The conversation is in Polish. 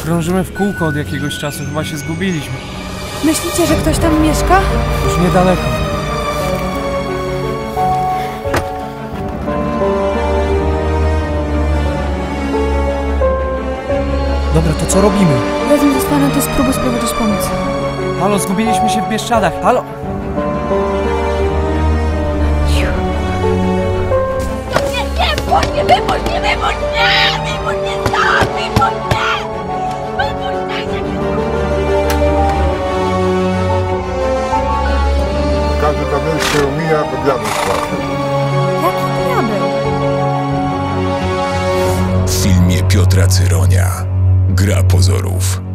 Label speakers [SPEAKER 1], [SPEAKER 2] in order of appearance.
[SPEAKER 1] Krążymy w kółko od jakiegoś czasu, chyba się zgubiliśmy.
[SPEAKER 2] Myślicie, że ktoś tam mieszka?
[SPEAKER 1] Już niedaleko. Dobra, to co robimy?
[SPEAKER 2] Razem zostanę, to spróbuj sprowadzić pomoc.
[SPEAKER 1] Halo, zgubiliśmy się w Bieszczadach. Halo!
[SPEAKER 3] Nie, wypuść mnie, wypuść mnie, wypuść mnie! Wypuść mnie stąd, wypuść mnie! Wypuść mnie!
[SPEAKER 4] Każdy diabeł się umija, bo diabeł płacze.
[SPEAKER 2] Jaki diabeł?
[SPEAKER 5] W filmie Piotra Cyronia Gra pozorów.